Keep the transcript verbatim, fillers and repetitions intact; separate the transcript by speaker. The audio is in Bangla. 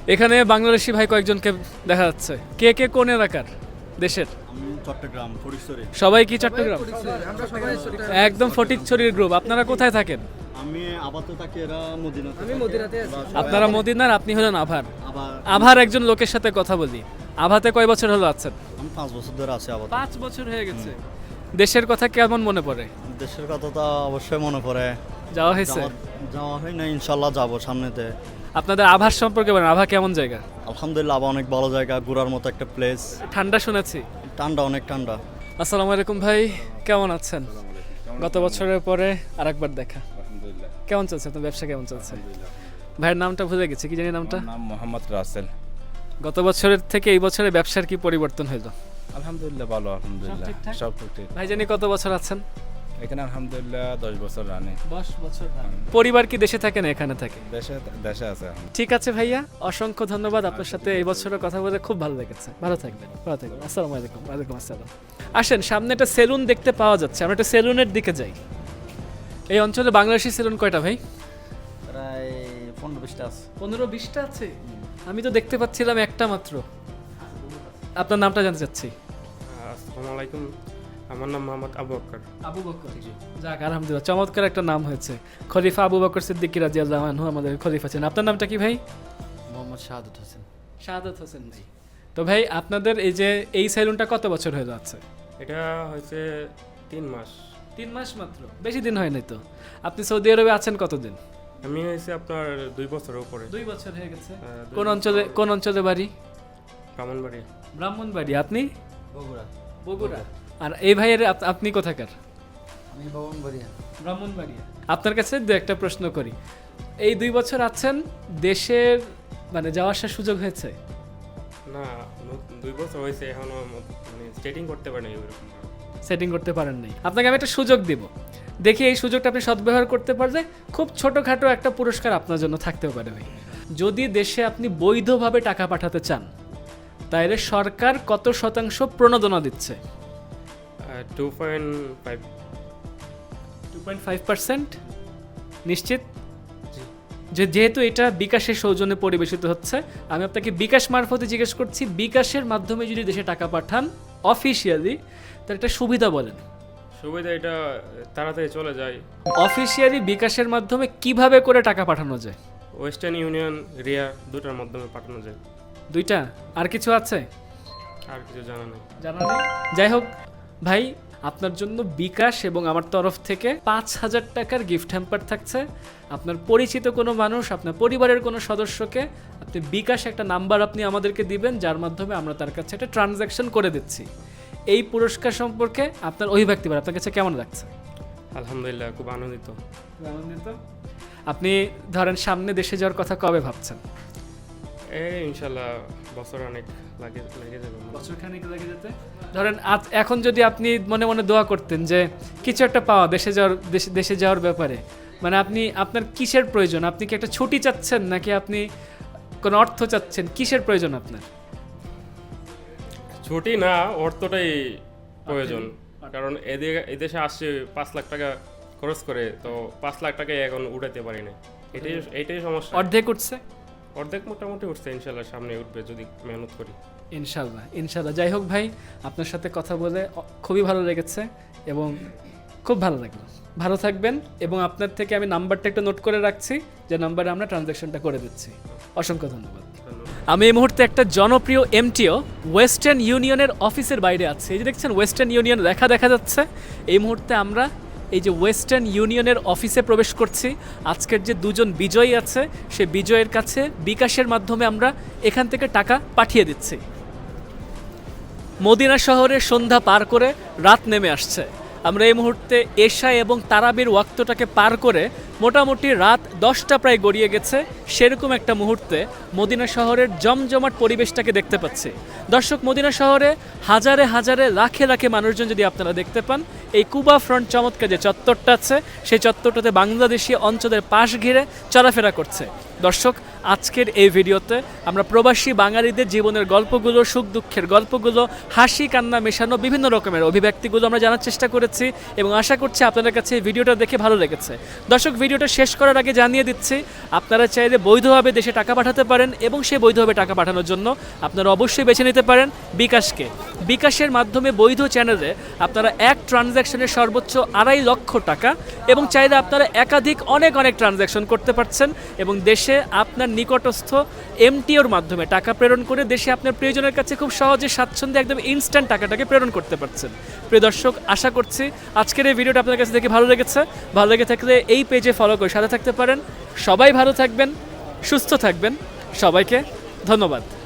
Speaker 1: এখানে বাংলাদেশি ভাই কয়েকজনকে দেখা যাচ্ছে। কে কে কোন এলাকার দেশের?
Speaker 2: আমি চট্টগ্রাম ফরিদপুরে।
Speaker 1: সবাই কি চট্টগ্রাম? একদম ফটিকছড়ির গ্রুপ। আপনারা কোথায় থাকেন?
Speaker 2: আমি আপাতত থাকি, এরা মদিনাতে।
Speaker 3: আমি মদিনাতে আছি।
Speaker 1: আপনারা মদিনার, আপনি হলেন আভার।
Speaker 2: আবার
Speaker 1: আভার একজন লোকের সাথে কথা বলি। আভাতে কয় বছর হলো আছেন?
Speaker 2: আমি পাঁচ বছর ধরে আছি আপাতত।
Speaker 1: পাঁচ বছর হয়ে গেছে। দেশের কথা কেমন মনে পড়ে?
Speaker 2: দেশের কথা তো অবশ্যই মনে পড়ে।
Speaker 1: যাওয়া হয়েছে?
Speaker 2: যাওয়া- যাওয়া হয় না, ইনশাল্লাহ যাবো সামনেতে।
Speaker 1: আপনাদের আভার সম্পর্কে বলেন, আভা কেমন জায়গা?
Speaker 2: আলহামদুলিল্লাহ, আবার অনেক ভালো জায়গা, ঘোরার মতো একটা প্লেস।
Speaker 1: ঠান্ডা শুনেছি।
Speaker 2: ঠান্ডা, অনেক ঠান্ডা।
Speaker 1: আসসালামু আলাইকুম ভাই, কেমন আছেন? গত বছরের পরে আরেকবার দেখা। কেমন চলছে আপনার ব্যবসা, কেমন চলছে? ভাইয়ের নামটা ভুলে গেছি, কি জানি নামটা?
Speaker 4: আমার নাম মোহাম্মদ রাসেল।
Speaker 1: গত বছরের থেকে এই বছরে ব্যবসার কি পরিবর্তন হলো?
Speaker 4: আলহামদুলিল্লাহ ভালো, আলহামদুলিল্লাহ
Speaker 1: সব ঠিকঠাক?
Speaker 4: সব ঠিক।
Speaker 1: ভাই জানি কত বছর আছেন?
Speaker 4: এখানে আলহামদুলিল্লাহ দশ বছর রানে।
Speaker 1: দশ বছর। পরিবার কি দেশে থাকে না এখানে থাকে?
Speaker 4: দেশে দেশে আছে এখন।
Speaker 1: ঠিক আছে ভাইয়া, অসংখ্য ধন্যবাদ। আপনার সাথে এই বছরের কথা বলে খুব ভালো লেগেছে। ভালো থাকবেন, ভালো থাকবেন। আসসালামু আলাইকুম। ওয়ালাইকুম আসসালাম। আসেন, সামনে একটা সেলুন দেখতে পাওয়া যাচ্ছে, আমরা একটা সেলুনের দিকে যাই। এই অঞ্চলে বাংলাদেশি সেলুন কয়টা ভাই?
Speaker 2: প্রায় পনেরো বিশটা আছে।
Speaker 1: পনেরো বিশটা আছে। আমি তো দেখতে পাচ্ছিলাম একটা মাত্র। আপনার নামটা জানতে চাচ্ছি।
Speaker 5: আসসালামু আলাইকুম, আমার নাম মোহাম্মদ আবু বকর।
Speaker 1: আবু বকর। যাক, আলহামদুলিল্লাহ, চমৎকার একটা নাম হয়েছে। খলিফা আবু বকর সিদ্দিকী রাদিয়াল্লাহু আনহু আমাদের খলিফা ছিলেন। আপনার নামটা কি ভাই?
Speaker 2: মোহাম্মদ শাহাদত হোসেন।
Speaker 1: শাহাদাত হোসেন ভাই। তো ভাই, আপনাদের এই যে এই সেলুনটা কত বছর হয়ে যাচ্ছে?
Speaker 5: এটা হয়েছে তিন মাস।
Speaker 1: তিন মাস মাত্র, বেশি দিন হয় নাই তো। আপনি সৌদি আরবে আছেন কতদিন?
Speaker 5: আমি হয়েছে আপনার দুই বছরের উপরে।
Speaker 1: দুই বছর হয়ে গেছে।
Speaker 5: হ্যাঁ, দুই
Speaker 1: কোন
Speaker 5: বছর।
Speaker 1: অঞ্চলে, কোন অঞ্চলে বাড়ি?
Speaker 5: ব্রাহ্মণবাড়ি।
Speaker 1: ব্রাহ্মণবাড়ি। আপনি?
Speaker 3: বগুড়া।
Speaker 1: বগুড়া। আর এই ভাইয়ের আপ- আপনি কোথাকার?
Speaker 3: আমি ভবনবাড়িয়া।
Speaker 1: ব্রাহ্মণবাড়িয়া। আপনার কাছে দু একটা প্রশ্ন করি। এই দুই বছর আছেন, দেশের মানে যাওয়া আসার সুযোগ হয়েছে?
Speaker 5: না, ন- দুই বছর হয়েছে, এখনো ম- মানে স্টেটিং করতে পারিনি ওইরকম।
Speaker 1: সেটিং করতে পারেন নাই। আপনাকে আমি একটা সুযোগ দিব, দেখি এই সুযোগটা আপনি সদ্ব্যবহার করতে পারলে খুব ছোটোখাটো একটা পুরস্কার আপনার জন্য থাকতেও পারে ভাই। যদি দেশে আপনি বৈধভাবে টাকা পাঠাতে চান, তাহলে সরকার কত শতাংশ প্রণোদনা দিচ্ছে?
Speaker 5: Two point five.
Speaker 1: Two point five percent নিশ্চিত? যে যেহেতু এটা বিকাশের সৌজন্যে পরিবেশিত হচ্ছে, আমি আপনাকে বিকাশ মারফতে জিজ্ঞেস করছি, বিকাশের মাধ্যমে যদি দেশে টাকা পাঠান অফিসিয়ালি, তার একটা সুবিধা বলেন।
Speaker 5: সুবিধা এটা তাড়াতাড়ি চলে যায়।
Speaker 1: অফিসিয়ালি বিকাশের মাধ্যমে কিভাবে করে টাকা পাঠানো যায়?
Speaker 5: ওয়েস্টার্ন ইউনিয়ন, রিয়া দুটার মাধ্যমে পাঠানো যায়।
Speaker 1: দুইটা? আর কিছু আছে?
Speaker 5: আর কিছু জানা নেই।
Speaker 1: জানা নেই। যাই হোক ভাই, আপনার জন্য বিকাশ এবং আমার তরফ থেকে পাঁচ হাজার টাকার গিফট হ্যাম্পার থাকছে। আপনার পরিচিত কোনো মানুষ, আপনার পরিবারের কোনো সদস্যকে আপনি বিকাশ একটা নাম্বার আপনি আমাদেরকে দিবেন, যার মাধ্যমে আমরা তার কাছে একটা ট্রানজ্যাকশন করে দিচ্ছি। এই পুরস্কার সম্পর্কে আপনার অভিব্যক্তি বলেন, আপনার কাছে কেমন লাগছে?
Speaker 5: আলহামদুলিল্লাহ, খুব আনন্দিত।
Speaker 1: আনন্দিত? আপনি ধরেন সামনে দেশে যাওয়ার কথা কবে ভাবছেন?
Speaker 5: এই ইনশাল্লাহ বছর অনেক লাগে লেগে যাবে।
Speaker 1: বছরখানেক লেগে যেতে। ধরেন আজ এখন যদি আপনি মনে মনে দোয়া করতেন যে কিছু একটা পাওয়া দেশে যাওয়ার, দেশে দেশে যাওয়ার ব্যাপারে, মানে আপনি আপনার কিসের প্রয়োজন? আপনি কি একটা ছুটি চাচ্ছেন, নাকি আপনি কোনো অর্থ চাচ্ছেন? কিসের প্রয়োজন আপনার?
Speaker 5: ছুটি না, অর্থটাই প্রয়োজন। কারণ এদিকে এদেশে আসছে পাঁচ লাখ টাকা খরচ করে, তো পাঁচ লাখ টাকা এখন উঠাতে পারি না। এটাই এটাই সমস্যা।
Speaker 1: অর্ধেক উঠছে?
Speaker 5: অর্ধেক মোটামুটি উঠছে, ইনশাল্লাহ সামনে উঠবে যদি মেহনত করি।
Speaker 1: ইনশাল্লাহ, ইনশাল্লাহ। যাই হোক ভাই, আপনার সাথে কথা বলে অ- খুবই ভালো লেগেছে এবং খুব ভালো লাগলো। ভালো থাকবেন, এবং আপনার থেকে আমি নাম্বারটা একটু নোট করে রাখছি, যে নাম্বারে আমরা ট্রানজ্যাকশনটা করে দিচ্ছি। অসংখ্য ধন্যবাদ। আমি এই মুহূর্তে একটা জনপ্রিয় এমটিও ওয়েস্টার্ন ইউনিয়নের অফিসের বাইরে আছি। এই যে দেখছেন ওয়েস্টার্ন ইউনিয়ন লেখা দেখা যাচ্ছে। এই মুহূর্তে আমরা এই যে ওয়েস্টার্ন ইউনিয়নের অফিসে প্রবেশ করছি। আজকের যে দুজন বিজয়ী আছে, সে বিজয়ের কাছে বিকাশের মাধ্যমে আমরা এখান থেকে টাকা পাঠিয়ে দিচ্ছি। মদিনা শহরের সন্ধ্যা পার করে রাত নেমে আসছে। আমরা এই মুহূর্তে এশা এবং তারাবির ওয়াক্তটাকে পার করে মোটামুটি রাত দশটা প্রায় গড়িয়ে গেছে। সেরকম একটা মুহূর্তে মদিনা শহরের জমজমাট পরিবেশটাকে দেখতে পাচ্ছি। দর্শক, মদিনা শহরে হাজারে হাজারে লাখে লাখে মানুষজন যদি আপনারা দেখতে পান, এই কুবা ফ্রন্ট চমৎকার যে চত্বরটা আছে, সেই চত্বরটাতে বাংলাদেশি অঞ্চলের পাশ ঘিরে চলাফেরা করছে। দর্শক, আজকের এই ভিডিওতে আমরা প্রবাসী বাঙালিদের জীবনের গল্পগুলো, সুখ দুঃখের গল্পগুলো, হাসি কান্না মেশানো বিভিন্ন রকমের অভিব্যক্তিগুলো আমরা জানার চেষ্টা করেছি এবং আশা করছি আপনাদের কাছে এই ভিডিওটা দেখে ভালো লেগেছে। দর্শক, ভিডিওটা শেষ করার আগে জানিয়ে দিচ্ছি আপনারা চাইলে বৈধভাবে দেশে টাকা পাঠাতে পারেন এবং সেই বৈধভাবে টাকা পাঠানোর জন্য আপনারা অবশ্যই বেছে নিতে পারেন বিকাশকে। বিকাশের মাধ্যমে বৈধ চ্যানেলে আপনারা এক ট্রানজ্যাকশনের সর্বোচ্চ আড়াই লক্ষ টাকা এবং চাইলে আপনারা একাধিক অনেক অনেক ট্রানজ্যাকশন করতে পারছেন এবং দেশে আপনার নিকটস্থ এমটিওর মাধ্যমে টাকা প্রেরণ করে দেশে আপনার প্রিয়জনের কাছে খুব সহজে স্বাচ্ছন্দ্যে একদম ইনস্ট্যান্ট টাকাটাকে প্রেরণ করতে পারছেন। প্রিয় দর্শক, আশা করছি আজকের এই ভিডিওটা আপনার কাছে দেখে ভালো লেগেছে। ভালো লেগে থাকলে এই পেজে ফলো করে সাথে থাকতে পারেন। সবাই ভালো থাকবেন, সুস্থ থাকবেন। সবাইকে ধন্যবাদ।